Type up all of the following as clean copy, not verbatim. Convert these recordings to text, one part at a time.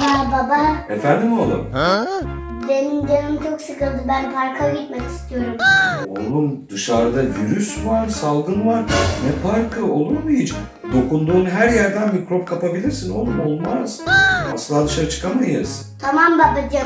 Baba, Efendim oğlum? benim canım çok sıkıldı. Ben parka gitmek istiyorum. Oğlum dışarıda virüs var, salgın var. Ne parkı olur mu hiç? Dokunduğun her yerden mikrop kapabilirsin oğlum, olmaz. Asla dışarı çıkamayız. Tamam babacığım.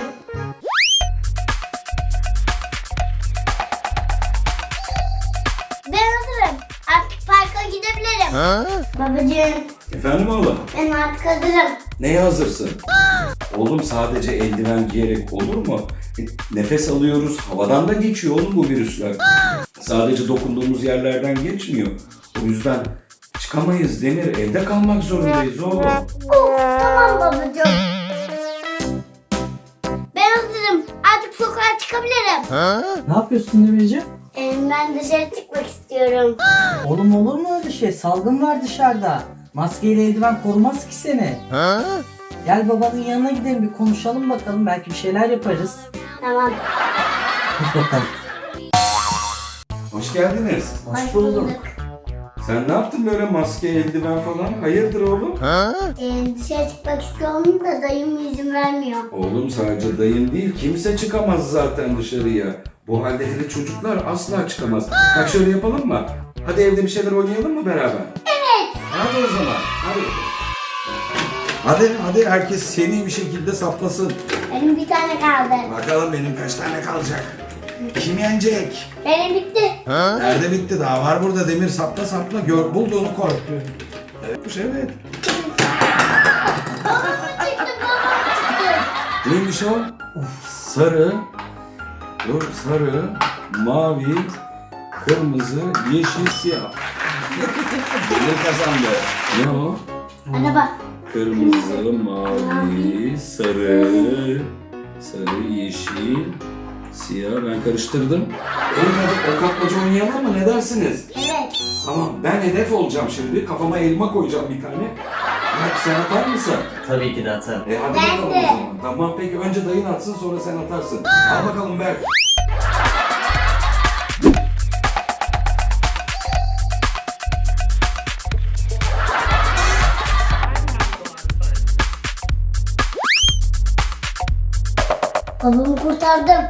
Ben hazırım. Artık parka gidebilirim. Babacığım, Efendim oğlum? ben artık hazırım. Neye hazırsın? Oğlum sadece eldiven giyerek olur mu? Nefes alıyoruz, havadan da geçiyor oğlum bu virüsler. Sadece dokunduğumuz yerlerden geçmiyor. O yüzden çıkamayız Demir, evde kalmak zorundayız oğlum. Of, tamam babacığım. Ben hazırım. Artık sokağa çıkabilirim. Ne yapıyorsun Demirciğim? Ben dışarı çıkmak istiyorum. Oğlum olur mu öyle şey? Salgın var dışarıda. Maskeyle eldiven korumaz ki seni. Gel babanın yanına gidelim bir konuşalım bakalım. Belki bir şeyler yaparız. Tamam. Hadi bakalım. Hoş geldiniz. Hoş bulduk. Sen ne yaptın böyle maske, eldiven falan? Hayırdır oğlum? Dışarı çıkmak istiyorum da dayım izin vermiyor. Oğlum sadece dayın değil, kimse çıkamaz zaten dışarıya. Bu halde hele çocuklar asla çıkamaz. Bak şöyle yapalım mı? Hadi evde bir şeyler oynayalım mı beraber? Evet. Hadi o zaman, hadi. Hadi herkes seri bir şekilde saplasın. Benim bir tane kaldı. Bakalım benim kaç tane kalacak? Kim yenecek? Benim bitti. Nerede bitti? Daha var burada Demir, sapla. Gör, bulduğunu koy. Evet. Neymiş o? Sarı, sarı, mavi, kırmızı, yeşil, siyah. Demir kazandı. Ne o? Araba. Kırmızı, mavi, sarı, yeşil, siyah. Ben karıştırdım. Hadi o kapmaca oynayalım mı? Ne dersiniz? Evet. Tamam, ben hedef olacağım şimdi. Kafama elma koyacağım bir tane. Bak sen atar mısın? Tabii ki de atarım. Hadi Ben bakalım de. o zaman. Tamam peki, önce dayın atsın sonra sen atarsın. Al bakalım Berk. Babamı kurtardım.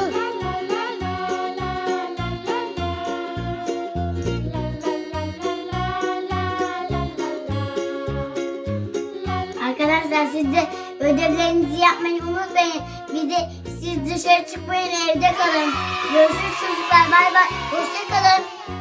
Arkadaşlar siz de ödevlerinizi yapmayı unutmayın. Bir de siz dışarı çıkmayın, evde kalın. Görüşürüz çocuklar. Bay bay. Hoşça kalın.